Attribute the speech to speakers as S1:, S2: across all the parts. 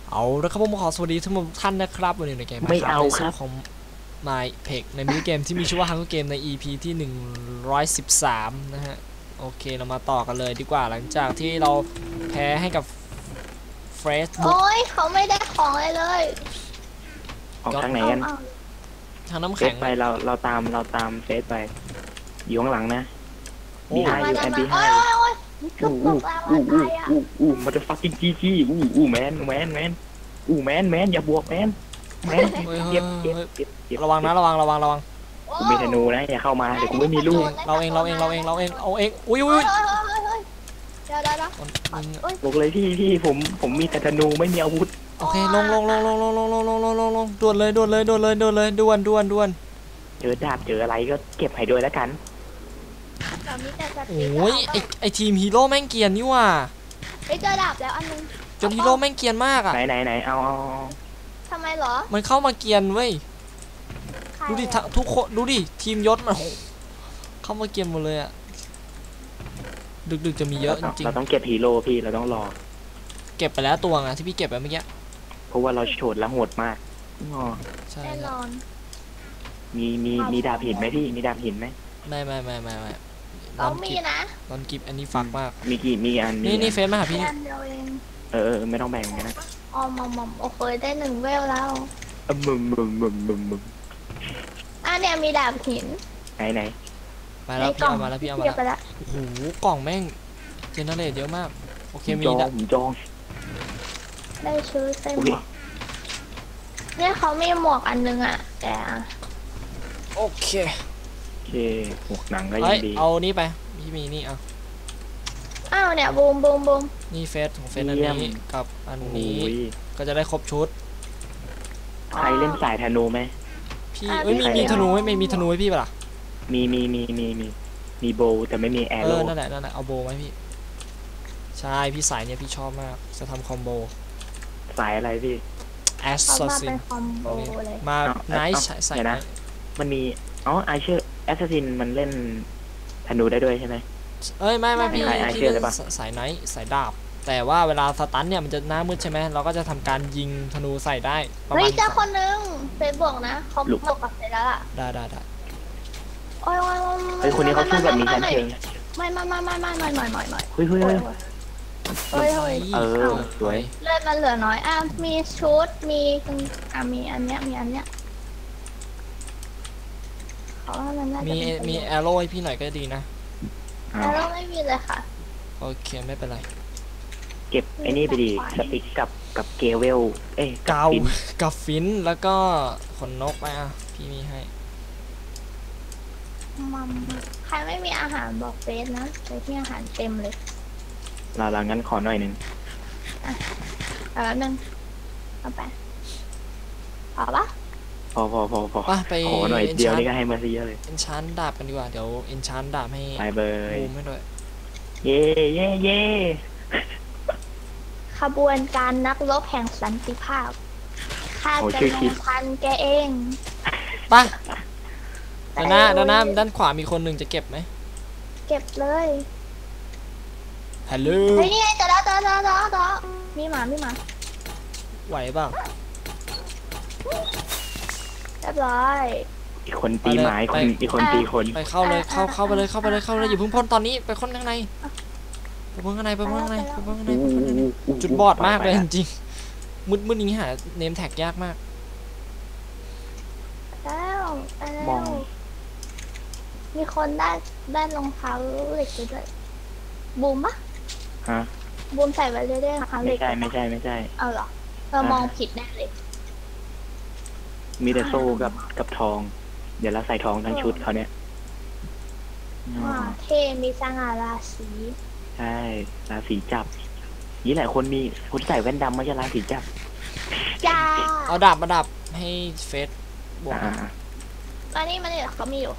S1: เอาแล้วครับผมขอสวัสดีทุกท่านนะครับวันนี้ในเกม
S2: ไม่เอาครับ
S1: ของนายเพกในมินิเกมที่มีชื่อว่า Hunger Game ใน EP ที่113นะฮะโอเคเรามาต่อกันเลยดีกว่าหลังจากที่เราแพ้ให้กับเฟรชบุ๊ก
S3: โอ้ยเขาไม่ได้ของเลย
S2: ออกทางไหนกัน
S1: ทางน้ำ
S2: เฟ
S1: แข็
S2: ซ
S1: ง
S2: ไปเราตามเฟซไปอยู่ข้างหลังนะ
S1: โอ้
S2: บีไฮ
S3: มา
S2: อยู่
S3: ดั
S2: แอน น
S3: มา
S2: บีไฮ
S3: โอ้ยกึบกึบแล้วตายอ่ะ
S2: มันจะฟักกิ้งจี้แมนอย่าบวกแมนเก็บ
S1: ระวังนะระวัง
S2: กูมีธนูนะอย่าเข้ามาเดี๋ยวกูไม่มีลูก
S1: เราเองอุ้ย
S3: เดี๋ยว
S2: บอกเลยพี่ผมมีแต่ธนูไม่มีอาวุธ
S1: โอเคลงด่วนเลยด่วน
S2: เจอดาบเจออะไรก็เก็บให้ด้วยแล้วกัน
S1: โอ้ยไอทีมฮีโร่แม่งเกียนนี่ว่ะ
S3: ไปเจอดาบแล้วอันนึง
S1: จนฮีโร่แม่งเกียนมากอ่ะ
S2: ไหนเอา
S3: ทำไมเหรอ
S1: มันเข้ามาเกียนเว้ยดูดิทุกคนดูดิทีมยศมันเข้ามาเกียนหมดเลยอ่ะดึกจะมีเยอะจริง
S2: เราต้องเก็บฮีโร่พี่เราต้องรอ
S1: ๆเก็บไปแล้วตัวไงที่พี่เก็บไปเมื่อกี้
S2: เพราะว่าเราโฉดและโหดมาก
S1: ใช่
S3: แน่นอน
S2: มีดาบหินไหมพี่มีดาบหินไหม
S1: ไม่
S3: เรามีนะ
S1: ตอนกิฟอันนี้ฟักมาก
S2: มีอัน
S1: นี่เฟซมาหาพี่
S3: อันเดียวเอง
S2: ไม่ต้องแบ่งกันนะ
S3: อ๋อมโอเคได้1 เวลแล้ว
S2: มึม
S3: เนี่ยมีดาบหิน
S2: ไหน
S1: มาแล้วพี่เอามาแล้ว
S3: เก็บไปแล้ว
S1: โอ้โหกล่องแม่งเจเนเรตเยอะมากโอเคมี
S2: ผมจอง
S3: ได้ชื่อเต็มเนี่ยเขามีหมวกอันนึงอ่ะแต่
S1: โอเค
S2: หมวกหนังก็ยังดี
S1: เอานี่ไปพี่มีนี่เอา
S3: อ้าวเนี่ยบูม
S1: นี่เฟซของเฟซอันนี้กับอันนี้ก็จะได้ครบชุด
S2: ใครเล่นสายธนูไหม
S1: พี่มีธนูไม่มีธนูให้พี่ป่ะล่ะ
S2: มีโบแต่ไม่มีแอโร่
S1: นั่นแหละเอาโบไหมพี่ใช่พี่สายเนี่ยพี่ชอบมากจะทำคอมโบ
S2: สายอะไรพี่
S1: แอส
S3: เขา
S1: ซัส
S3: มา
S1: ซิ
S3: เป็น นคอมโบเลย
S1: มาไนท์ใส่
S2: นะมันมีไอเชอร์แอสซัสซินมันเล่นธนูได้ด้วยใช่ไหม
S1: เอ้ยไม่พี่
S2: ขาย
S1: พี่
S2: Archer
S1: เล่
S2: ได้
S1: น
S2: ปะ
S1: สายไนท์สายดาบแต่ว่าเวลาสตันเนี่ยมันจะหน้ามืดใช่ไหมเราก็จะทำการยิงธนูใส่ได้ประ
S3: เฮ้
S1: มาย ณ
S3: เจ้าคนนึงเฟซบอกนะเขาบอกกับเฟซแล้วล่ะ
S1: ได้
S3: โอ้ย
S2: เฮ้ยคนนี้เขาสู้แบบมีชั้นเชิง
S3: ไม่
S2: เฮ้ย
S3: สวย
S1: สวย
S3: เลือดมันเหลือน้อยมีชุดมีอันเนี้ยเขาว่ามันน่าจะ
S1: มีแอโร่ให้พี่หน่อยก็ดีนะ
S3: แล้วไม่มีเลยค่ะ
S1: โอเคไม่เป็นไร
S2: เก็บไอ้นี่ไปดีสติ๊กกับเกเวล
S1: กาวกับฟินแล้วก็ขนนกไปพี่มีให้
S3: มัมใครไม่มีอาหารบอกเฟซนะไปที่อาหารเต็มเลย
S2: เรางั้นขอหน่อยหนึ่ง
S3: แล้วนึงเอาไปพอปะ
S2: พอ
S1: ไป
S2: ขอหน่อยเดียวนี่ก็ให้มาซะเยอะเลย
S1: เอนชานดาบกันดีกว่าเดี๋ยวเอนชานดาบให้
S2: ไปเบย
S1: บูมให้ด้วย
S2: เย่
S3: ขบวนการนักรบแห่งสันติภาพข้าจะลงพันแกเอง
S1: ไปด้านขวามีคนหนึ่งจะเก็บไหม
S3: เก็บเลย
S1: ฮัลโหล
S3: เฮ้ยนี่ไงจะแล้วมีหมา
S1: ไหวเปล่า
S3: เรียบร้อย
S2: อีกคนตีไม้อีกคนตีคน
S1: ไปเข้าเลยเข้าไปเลยอย่าเพิ่งพ่นตอนนี้ไปพ่นข้างในไปพ่นข้างในจุดบอดมากเลยจริงๆมืดอย่างนี้หาเนมแท็กยากมาก
S3: แล้วมีคนได้รองเท้าเหล็กด้วยบูมปะ
S2: ฮะ
S3: บูมใส่ไว้เรื่อยๆรองเท้าเหล็ก
S2: ไม่ใช่
S3: เอาเหรอเรามองผิดแน่เลย
S2: มีแต่โซ่กับทอง เดี๋ยวเราใส่ทองทั้งชุดเขาเนี่ย
S3: เท่มีสง่าราศี
S2: ใช่ราศีจับนี่แหละคนใส่แว่นดำไม่ใช่ราศีจับ
S3: จ้า
S1: เอาดาบมาดับให้เฟสบวก
S3: ตอนนี้มันเนี่ยเขามีอยู่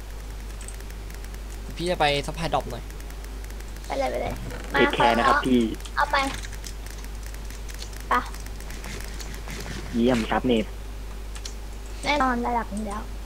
S1: พี่จะไปซัพพลายดรอปหน่อย
S3: ไปเลย
S2: เทคแคร์นะครับพี่
S3: เอาไปปะ
S2: เยี่ยมครับเนท
S3: แน่นอนระดับนี้แล้ว
S1: ไป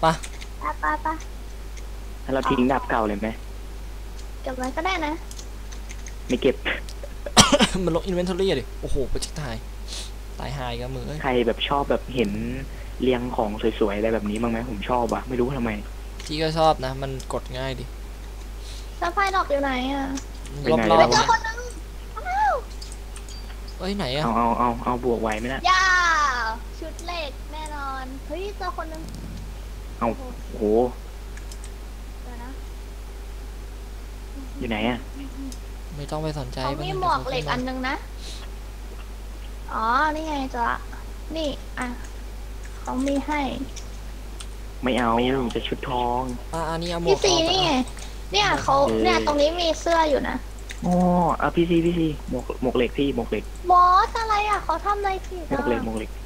S2: ถ้าเราทิ้งดาบเก่าเลยไหม
S3: เก็บไว้ก็ได้นะ
S2: ไม่เก็บ
S1: มันลงอินเวนทอรี่ดิโอ้โหไปเช็คไทยตายหายกับมือเอ้ย
S2: ใครแบบชอบแบบเห็นเรียงของสวยๆอะไรแบบนี้บ้างไหมผมชอบอะไม่รู้ทำไม
S1: พี่ก็ชอบนะ มันกดง่ายดิ
S3: สะพายดอกอยู่ไหนอ่ะ
S2: ไป
S1: รอบ
S2: ไหน
S1: รอ
S2: แล้
S1: บ
S2: ว
S3: เจอคนนึง
S1: เอ้ยไหนอะ
S2: เอาบวกไหวไหมนะ
S3: ย่าชุดเหล็กแน่นอนเฮ้ยเจอคนนึง
S2: โอ้โห
S3: เดี๋ยวนะ
S2: อยู่ไหนอะ
S1: ไม่ต้องไปสนใจ
S3: เขามีหมวกเหล็กอันนึงนะอ๋อนี่ไงเจอละนี่อ่ะเขามีให้
S2: ไม่เอาจะชุดทอง
S1: อันนี้เอาหมว
S3: พี่
S1: ก
S3: ซี
S1: ออก
S3: นี่ไง
S1: อะ
S3: เนี่ยเขาเนี่ยตรงนี้มีเสื้ออยู่นะ
S2: อ๋อเอาพี่ซีหมวกเหล็กพี่หมวกเหล็ก
S3: บอสอะไรอ่ะเขาทำอะไรผิด
S2: หมว
S3: อ่ะ
S2: กเหล็ก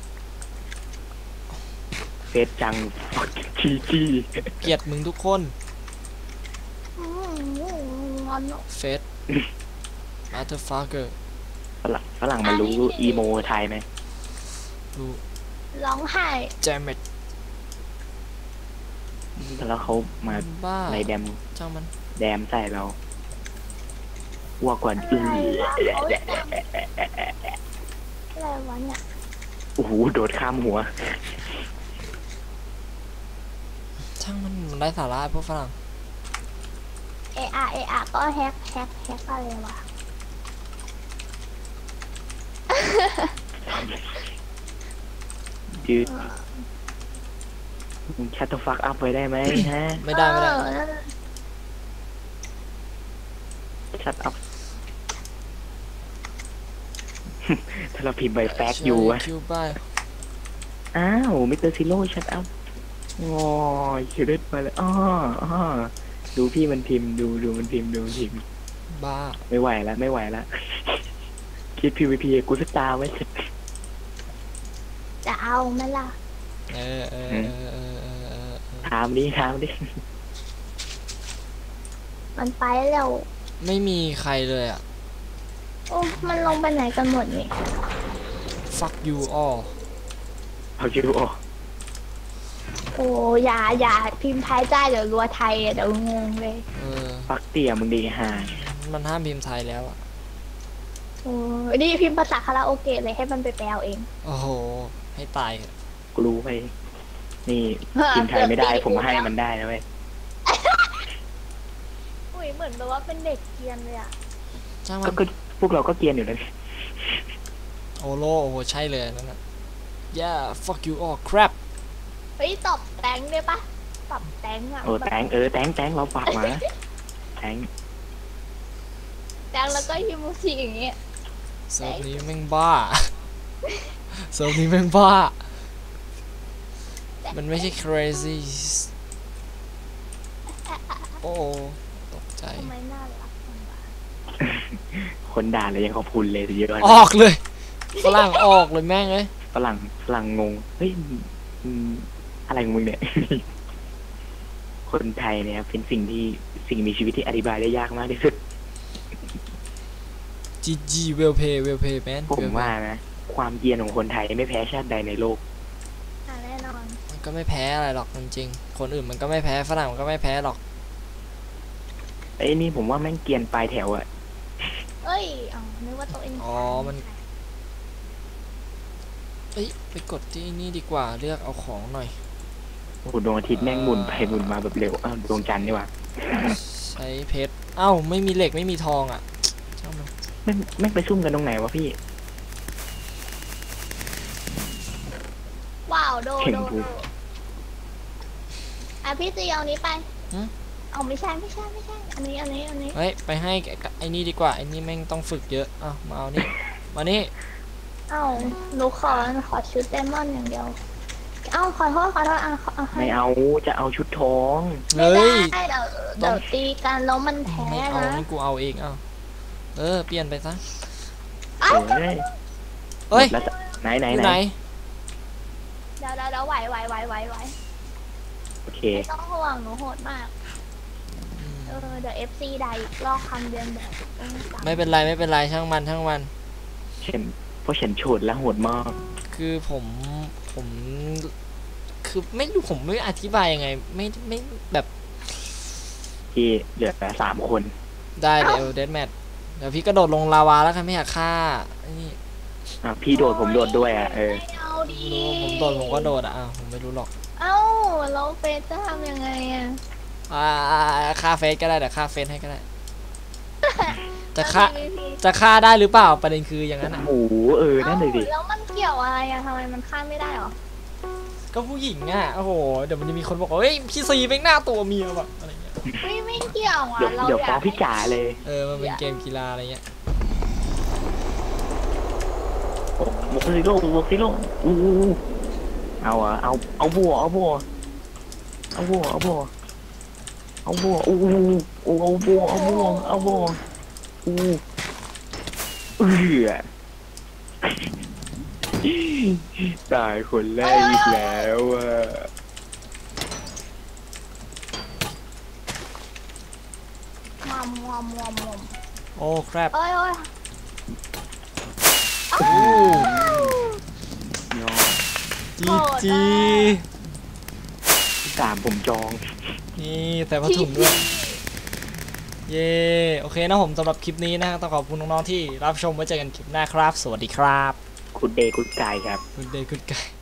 S2: เฟซจังจี
S1: เกลียดมึงทุกคน
S3: อืมงอน
S1: เฟสมาเธอร์ฟักเกอร์
S2: ฝรั่งมันรู้อีโมไทยไหม
S1: ดู
S3: ร้องไห้
S1: แจมเมด
S2: แล้วเขามา
S1: บ้า
S2: อะไรแดม
S1: จ้างมัน
S2: ใส่เราอ้วกกว่า
S3: อะไรวะเขาจำอะไรวะเนี่ย
S2: โอ้โหโดดข้ามหัว
S1: ช่างมันไร้สาระพวกฝรั่ง
S3: เออาก็แฮกอะไรวะ
S2: จืดชัตเตอร์ฟักอัพไว้ได้ไหมฮะ
S1: ไม่ได้
S3: เออ
S2: ชัตอัพ ถ้าเราพิมพ์ใบแฟกอยู่อะ
S1: คิวบ้า
S2: อ้าวมิสเตอร์ซิโร่ชัตอัพงอคิวเด็ดมาเลยอ้อดูพี่มันพิมพ์ดูมันพิมพ์
S1: บ้า
S2: ไม่ไหวแล้ว คิด PVP กูสตาร์ไว้
S3: จะเอาไหมล่ะ
S1: เออ
S2: ถามดิ
S3: มันไปแล้ว
S1: ไม่มีใครเลยอะ
S3: โอ้มันลงไปไหนกันหมดนี่
S1: fuck you all
S2: เอาคิวออก
S3: โอ้อย่าพิมพ์ไทยจ้าเดี๋ยวรัวไทยเดี๋ยวงงเลย
S1: เออ
S2: ฟักเตี่ยมึงดีห่า
S1: มันห้ามพิมพ์ไทยแล้วอะ
S3: โอ้นี่พิมพ์ภาษาคาราโอเกะเลยให้มันไปแปลเอาเอง
S1: โอ้โห ให้ตายเถอะ
S2: กูรู้ไปนี่พิมพ์ไทยไม่ได้ผมให้มันได้นะเว้ย
S3: อุ้ยเหมือนแบบว่าเป็นเด็กเกรียนเลยอ่ะ
S1: จ้างมัน
S2: ก็พวกเราก็เกรียนอยู่นะ
S1: โอโลโอ้โหใช่เลยนั่นน่ะ yeah fuck you all crap
S3: เฮ้ยตอบแตงได้ปะตอบแตงอ่ะ
S2: โอ้แตงเราฝากมาแตง
S3: แตงแล้วก็ฮิมูชิอย่างเงี้ย
S1: เซิร์ฟนี้แม่งบ้า เซิร์ฟนี้แม่งบ้า มันไม่ใช่ crazy โอ้ตกใจ
S3: ทำไมน่ารักจังวะ
S2: คนด่าเลยยังขอบคุณเลยเยอะ
S1: ออกเลยฝรั่งออกเลยแม่งเลย
S2: ฝรั่งงงเฮ้ยอะไรของมึงเนี่ย คนไทยเนี่ยเป็นสิ่งมีชีวิตที่อธิบายได้ยากมากที่สุด
S1: GG well play well play man
S2: ผมว่านะความเกรียนของคนไทยไม่แพ้ชาติใดในโลก
S3: แน่นอน
S1: มันก็ไม่แพ้อะไรหรอกจริงๆคนอื่นมันก็ไม่แพ้ฝรั่งมันก็ไม่แพ้หรอก
S2: ไอ้นี่ผมว่าแม่งเกรียนปลายแถวอะ
S3: เอ้ยอ๋อนึกว่าตัวเอง
S1: อ๋อมัน เอ้ยไปกดที่นี่ดีกว่าเลือกเอาของหน่อย
S2: โอ้โหดวงอาทิตย์แม่งหมุนไปหมุนมาแบบเร็วดวงจันทร์นี่หว่า
S1: ใช้เพชรเอ้าไม่มีเหล็กไม่มีทองอ่ะช่างมัน
S2: แม่งไปซุ่มกันตรงไหนวะพี่
S3: ว้าวโด
S2: เข่งกู
S3: อ่ะพี่จีเอานี้ไปเอาไม่ใช่อันนี้
S1: เฮ้ยไปให้ไอ้นี่ดีกว่าไอ้นี่แม่งต้องฝึกเยอะอ้าวมาเอานี่มานี่
S3: เอ้าหนูขอชุดเดมอนอย่างเดียวเอ้าขอโทษอ่ะให้
S2: ไม่เอาจะเอาชุดทอง
S3: ไม่
S1: เฮ้ย
S3: ได้เดี๋ยวตีกันแล้วมันแพ้
S1: ไม่เอา
S3: นะ
S1: นี่กูเอาเองเอ้าเปลี่ยนไปซะ
S3: เอ้า
S2: เฮ้ย
S1: เฮ้ย
S2: แล้วไหน
S1: อยู่ไหน
S3: เดี๋ยวไหว
S2: โอเค
S3: ไม่ต้องห่วงหนูโหดมาก เดี๋ยว FC ได้อีกลอกคำเรียนแบบ
S1: ไม่เป็นไรช่างมัน
S2: เพราะฉันโฉดและโหดมาก
S1: คือผมคือไม่รู้ผมไม่อธิบายยังไงไม่แบบ
S2: ที่เหลือแต่3 คน
S1: ได้เดี๋ยวเดดแมทเดี๋ยวพี่กระโดดลงลาวาแล้วกันไม่อยากฆ่าไอ้นี่
S2: พี่โดดผมโดดด้วยอ่ะ
S3: ไม่เอาดี
S1: ผมโดดผมก็โดดอ่ะผมไม่รู้หรอก
S3: เอ้าแล้วเฟซจะทำยังไงอ่ะ
S1: ค่าเฟซก็ได้แต่ค่าเฟซให้ก็ได้ จะฆ่า
S3: แล้วมีวิธี
S1: จะฆ่าได้หรือเปล่าประเด็นคืออย่างนั้นอ่ะ
S2: โอ้โหนั่นเลยดิ
S3: แล้วมันเกี่ยวอะไรอ่ะทำไมมันฆ่าไม่ได้หรอ
S1: ก็ผู้หญิงอ่ะโอ้โหเดี๋ยวมันจะมีคนบอกว่าเฮ้ยพี่ซีเป็นหน้าตัวเมียแบบอะไรเงี้ย
S3: ไม่เกี่ยวอ่ะ
S2: เดี๋ยว
S3: เรา
S2: เดี๋ยว
S3: อ
S2: ฟ้
S3: ยา
S2: อง
S3: ก
S2: พี่จ๋าเลย
S1: มันเป็นเกมกีฬาอะไรเงี้ย
S2: บวกซิโร่บวกซิโร่อู้เอาอะเอาบัวเอาบัวเอาบัวเอาบัวเอาบัวอู้เอาบัวเอาบัวเอาบัวอู้ตายคนแรกอีกแล้วอ่ะ
S3: มอม
S1: โอ้ครับ
S3: เอ้ย
S1: โอ้
S2: ยอม
S1: จีจี
S2: ตามผมจอง
S1: นี่แต่ผ้าถุงด้วย เย้โอเคนะผมสำหรับคลิปนี้นะฮะต้องขอบคุณน้องๆที่รับชมไว้เจอกันคลิปหน้าครับ สวัสดีครับ
S2: คุณเดย์คุณกายครับ
S1: Good day good guy